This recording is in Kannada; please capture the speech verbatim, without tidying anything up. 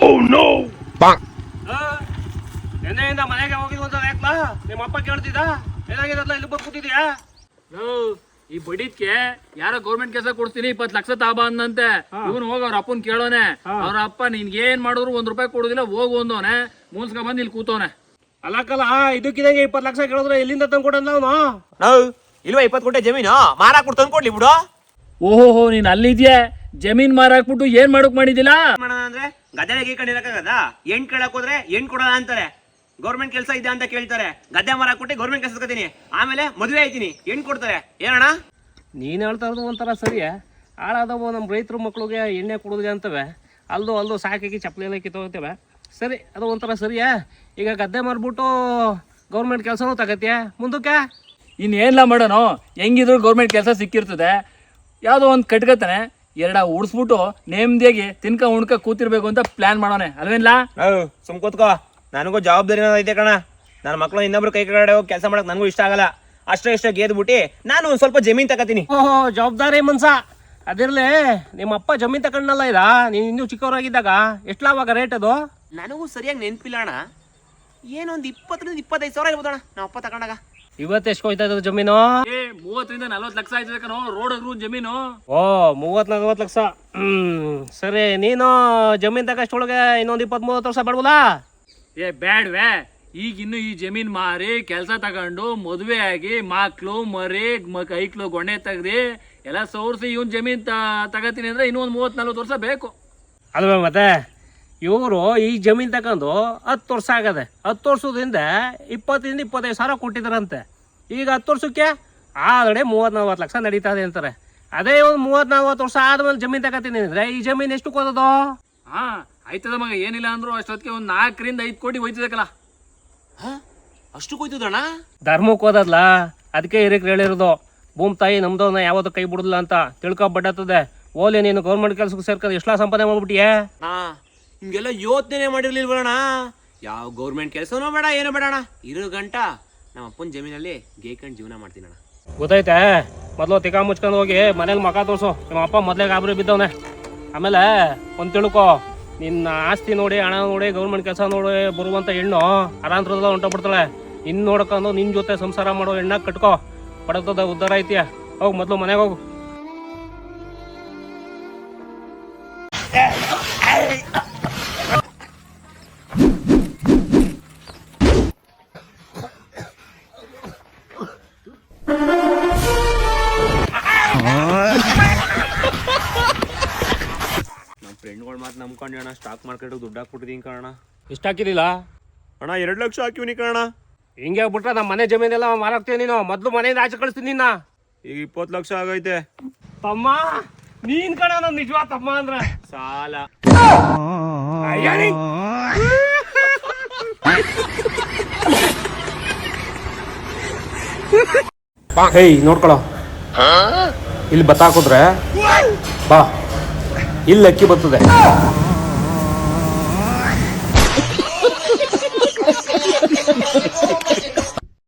ಎಣ್ಣೆಯಿಂದ ಮನೆಗೆ ಹೋಗಿದ್ವು ಅಂತ ಯಾಕಲಾ ನಿಮ್ಮ ಅಪ್ಪ ಕೇಳ್ತಿದ್ದ ಏನಾಗಿದಲ್ಲ ಇಲ್ಲಿ ಬಂದು ಕೂತಿದ್ಯಾ? ಈ ಬಡಿದ್ಕೆ ಯಾರೋ ಗೌರ್ಮೆಂಟ್ ಕೆಲಸ ಕೊಡ್ತೀನಿ ಇಪ್ಪತ್ ಲಕ್ಷ ತಾಬ ಅಂದಂತೆ. ಇವನು ಹೋಗ ಅವ್ರ ಅಪ್ಪನ್ ಕೇಳೋನೆ. ಅವ್ರ ಅಪ್ಪ ನಿನ್ಗೆ ಏನ್ ಮಾಡಿದ್ರು ಒಂದ್ ರೂಪಾಯಿ ಕೊಡುದಿಲ್ಲ, ಹೋಗು ಅಂದವನೆ. ಮೂನ್ಸ್ಕ ಬಂದ್ ಇಲ್ಲಿ ಕೂತವನೆ. ಅಲ್ಲಕ್ಕಲ್ಲ ಇದಕ್ಕಿದಂಗೆ ಇಪ್ಪತ್ ಲಕ್ಷ ಕೇಳಿದ್ರೆ ಎಲ್ಲಿಂದ ತಂದ್ಕೊಡಂದ ಅವನು? ನಾವು ಇಲ್ವಾ ಇಪ್ಪತ್ತು ಕೋಟಿ ಜಮೀನು ಮಾರಾಕ್ ಬಿಟ್ಟು ತಂದ್ಕೊಡ್ಲಿ ಬಿಡು. ಓಹೋ ನೀನ್ ಅಲ್ಲಿದ್ಯಾ? ಜಮೀನ್ ಮಾರಾಕ್ಬಿಟ್ಟು ಏನ್ ಮಾಡಕ್ ಮಾಡಿದಿಲ್ಲ ಅಂದ್ರೆ ಗದ್ದೆ ಗೀಕೊಂಡಿರಕ್ಕಾಗದ? ಎಂಟ್ ಕೇಳಕ್ ಹೋದ್ರೆ ಎಂಟ್ ಕೊಡಲ್ಲ ಅಂತಾರೆ. ಗೌರ್ಮೆಂಟ್ ಕೆಲಸ ಇದೆ ಅಂತ ಕೇಳ್ತಾರೆ. ಗದ್ದೆ ಮರ ಕೊಟ್ಟು ಗೌರ್ಮೆಂಟ್ ಕೆಲಸ ಕತ್ತೀನಿ, ಆಮೇಲೆ ಮದುವೆ ಆಯ್ತೀನಿ, ಎಂಟ್ ಕೊಡ್ತಾರೆ. ಏನಣ್ಣ ನೀನ್ ಹೇಳ್ತಾ ಇರೋದು ಒಂಥರ ಸರಿಯಾ? ಹಾಳಾದವು ನಮ್ಮ ರೈತರು ಮಕ್ಳಿಗೆ ಎಣ್ಣೆ ಕೊಡೋದಿಲ್ಲ ಅಂತವೆ, ಅಲ್ದು ಅಲ್ದು ಸಾಕಾಗಿ ಚಪ್ಪಲಿ ಎಲ್ಲ ಕಿತ್ತೋಗ್ತೇವೆ. ಸರಿ, ಅದು ಒಂಥರ ಸರಿಯಾ? ಈಗ ಗದ್ದೆ ಮಾರ್ಬಿಟ್ಟು ಗೌರ್ಮೆಂಟ್ ಕೆಲಸನೂ ತಗತ್ಯಾ ಮುಂದಕ್ಕೆ? ಇನ್ನೇನ್ಲ ಮಾಡೋಣ? ಹೆಂಗಿದ್ರು ಗೌರ್ಮೆಂಟ್ ಕೆಲಸ ಸಿಕ್ಕಿರ್ತದೆ. ಯಾವುದೋ ಒಂದು ಕಟ್ಕತಾನೆ, ಎರಡ ಉಡ್ಸ್ಬಿಟ್ಟು ನೇಮ್ದಿಯಾಗಿ ತಿನ್ಕ ಉಣ್ಕ ಕೂತಿರ್ಬೇಕು ಅಂತ ಪ್ಲಾನ್ ಮಾಡೋಣ ಅಲ್ವೇನ್ಲ? ಸುಮ್ ಕೂತ್ಕೋ, ನನಗೂ ಜವಾಬ್ದಾರಿ ಐತೆ ಕಣ. ನನ್ನ ಮಕ್ಳು ಇನ್ನೊಬ್ರು ಕೈ ಕಡೆ ಹೋಗಿ ಕೆಲಸ ಮಾಡಕ್ ನನಗೂ ಇಷ್ಟ ಆಗಲ್ಲ. ಅಷ್ಟೇ ಇಷ್ಟ ಗೆದ್ಬಿಟ್ಟು ನಾನು ಒಂದ್ ಸ್ವಲ್ಪ ಜಮೀನ್ ತಗತೀನಿ. ಓಹೋ, ಜವಾಬ್ದಾರಿ ಮನ್ಸ ಅದಿರ್ಲಿ. ನಿಮ್ಮ ಅಪ್ಪ ಜಮೀನ್ ತಗೊಂಡಲ್ಲ ಇದ ನೀನ್ ಇನ್ನೂ ಚಿಕ್ಕವರಾಗಿದ್ದಾಗ ಎಷ್ಟ್ಲ ಅವಾಗ ರೇಟ್ ಅದು? ನನಗೂ ಸರಿಯಾಗಿ ನೆನ್ಪಿಲ್ಲ ಅಣ್ಣ. ಏನೊಂದ್ ಇಪ್ಪತ್ತರಿಂದ ಇಪ್ಪತ್ತೈದು ಸಾವಿರ ಇರ್ಬೋದಣ್ಣ ನಮ್ಮ ಅಪ್ಪ ತಗೊಂಡಾಗ. ಇವತ್ತು ಎಷ್ಟು ಹೋಯ್ತಾ ಇದ್ದದು ಜಮೀನು? ಏ ಮೂವತ್ತರಿಂದ ನಲ್ವತ್ತು ಲಕ್ಷ ಆಯ್ತದೆ ಕಣೋ ರೋಡ್ ಜಮೀನು. ಓ, ಮೂವತ್ ನಲ್ವತ್ತು ಲಕ್ಷ. ಹ್ಮ್ ಸರಿ, ನೀನು ಜಮೀನ್ ತಗಷ್ಟೊಳಗೆ ಇನ್ನೊಂದ್ ಇಪ್ಪತ್ ಮೂವತ್ತು ವರ್ಷ ಬೇಡವಲ್ಲ? ಏ ಬ್ಯಾಡ್ವೆ, ಈಗ ಇನ್ನು ಈ ಜಮೀನ್ ಮಾರಿ ಕೆಲಸ ತಗೊಂಡು ಮದುವೆ ಆಗಿ ಮಕ್ಳು ಮರಿ ಐಕ್ಳು ಗೊಣ್ಣೆ ತೆಗ್ದಿ ಎಲ್ಲ ಸೋರ್ಸಿ ಇವನ್ ಜಮೀನ್ ತಗತೀನಿ ಅಂದ್ರೆ ಇನ್ನೂ ಒಂದ್ ಮೂವತ್ ನಲ್ವತ್ತು ವರ್ಷ ಬೇಕು ಅಲ್ವೇ? ಮತ್ತೆ ಇವರು ಈ ಜಮೀನ್ ತಗೊಂಡು ಹತ್ತು ವರ್ಷ ಆಗದೆ. ಹತ್ತು ವರ್ಷದಿಂದ ಇಪ್ಪತ್ತರಿಂದ ಇಪ್ಪತ್ತೈದು ಸಾವಿರ ಕೊಟ್ಟಿದ್ದಾರಂತೆ. ಈಗ ಹತ್ತು ವರ್ಷಕ್ಕೆ ಆಲ್ರೆಡಿ ಮೂವತ್ ನಲ್ವತ್ತು ಲಕ್ಷ ನಡೀತದೆ ಅಂತಾರೆ. ಅದೇ ಒಂದು ಮೂವತ್ ನಲ್ವತ್ತು ವರ್ಷ ಆದ್ಮೇಲೆ ಜಮೀನ್ ತಗೋತೀನಿ ಅಂದ್ರೆ ಈ ಜಮೀನ್ ಎಷ್ಟು ಕೊಡೋದು? ಹಾ ಆಯ್ತದ ಮಗ, ಏನಿಲ್ಲ ಅಂದ್ರು ಅಷ್ಟೊತ್ತಿಗೆ ಒಂದ್ ನಾಲ್ಕರಿಂದ ಐದು ಕೋಟಿ ಹೋಯ್ತದಕ್ಕಲ್ಲ. ಅಷ್ಟು ಕೊಯ್ತದಣ್ಣ? ಧರ್ಮಕ್ಕೆ ಹೋದದ್ಲ, ಅದಕ್ಕೆ ಹಿರಿಯರು ಹೇಳಿರೋದು ಭೂಮಿ ತಾಯಿ ನಮ್ದವನ್ನ ಯಾವತ್ತೂ ಕೈ ಬಿಡುದಿಲ್ಲ ಅಂತ ತಿಳ್ಕೊಬಡ್ಡತ್ತದೆ. ಓಲಿ ನೀನು ಗೌರ್ಮೆಂಟ್ ಕೆಲ್ಸಕ್ಕೆ ಸೇರ್ಕೊಂಡು ಎಷ್ಟಾ ಸಂಪಾದನೆ ಮಾಡ್ಬಿಟ್ಟಿಯೇ? ಹಾ, ಹಿಂಗೆಲ್ಲ ಯೋಚನೆ ಮಾಡಿರ್ಲಿಲ್ವಣ್ಣ. ಯಾವ ಗೌರ್ಮೆಂಟ್ ಕೆಲಸನೂ ಬೇಡ, ಏನೂ ಬೇಡಣ್ಣ. ಇರೋ ಗಂಟ ನಮ್ಮ ಅಪ್ಪನ ಜಮೀನಲ್ಲಿ ಗೇಕಂಡ್ ಜೀವನ ಮಾಡ್ತೀನಣ್ಣ. ಗೊತ್ತೈತೆ? ಮೊದಲು ತಿಕಾ ಮುಚ್ಕೊಂಡು ಹೋಗಿ ಮನೇಲಿ ಮಕ ತೋರ್ಸು. ನಿಮ್ಮ ಅಪ್ಪ ಮೊದಲೇ ಗಾಬರಿ ಬಿದ್ದವನೆ. ಆಮೇಲೆ ಒಂದು ತಿಳ್ಕೊ, ನಿನ್ನ ಆಸ್ತಿ ನೋಡಿ ಹಣ ನೋಡಿ ಗೌರ್ಮೆಂಟ್ ಕೆಲಸ ನೋಡಿ ಬರುವಂತ ಹೆಣ್ಣು ಅರಾಂತರದ ಹೊಂಟೋಗ್ಬಿಡ್ತಾಳೆ. ಇನ್ನು ನೋಡ್ಕೊಂಡು ನಿನ್ನ ಜೊತೆ ಸಂಸಾರ ಮಾಡೋ ಹೆಣ್ಣ ಕಟ್ಕೋ, ಪಡತದ ಉದ್ಧಾರ ಐತಿಯ. ಹೋಗಿ ಮೊದಲು ಮನೆಗೆ ಹೋಗು. ನಮ್ಮ ಫ್ರೆಂಡ್ಗಳು ಮಾತು ನಂಬ್ಕೊಂಡು ಅಣ್ಣ ಸ್ಟಾಕ್ ಮಾರ್ಕೆಟ್ ದುಡ್ಡು ಹಾಕ್ಬಿಟ್ಟಿದ್ದೀನಿ ಕಾರಣ. ಇಷ್ಟ ಹಾಕಿದಿಲ್ಲ ಅಣ್ಣ? ಎರಡು ಲಕ್ಷ ಹಾಕಿವ್ನಿ ಕಾರಣ. ಹಿಂಗೆ ಬಿಟ್ರೆ ನಮ್ಮ ಮನೆ ಜಮೀನೆಲ್ಲ ಮಾರಾಕ್ತೀಯ ನೀನು. ಮೊದಲು ಮನೆಯಿಂದ ಆಚೆ ಕಳಿಸ್ತೀನಿ ನಿನ್ನ. ಈಗ ಇಪ್ಪತ್ತು ಲಕ್ಷ ಆಗೈತೆ ತಮ್ಮ. ನೀನ್ ಕಣ ನನ್ನ ನಿಜವಾದ ತಮ್ಮ ಅಂದ್ರೆ ಸಾಲ. ಹೇಯ್ ನೋಡ್ಕೊಳ, ಇಲ್ಲಿ ಬತ್ತ ಹಾಕಿದ್ರೆ ಬಾ, ಇಲ್ಲಿ ಅಕ್ಕಿ ಬರ್ತದೆ.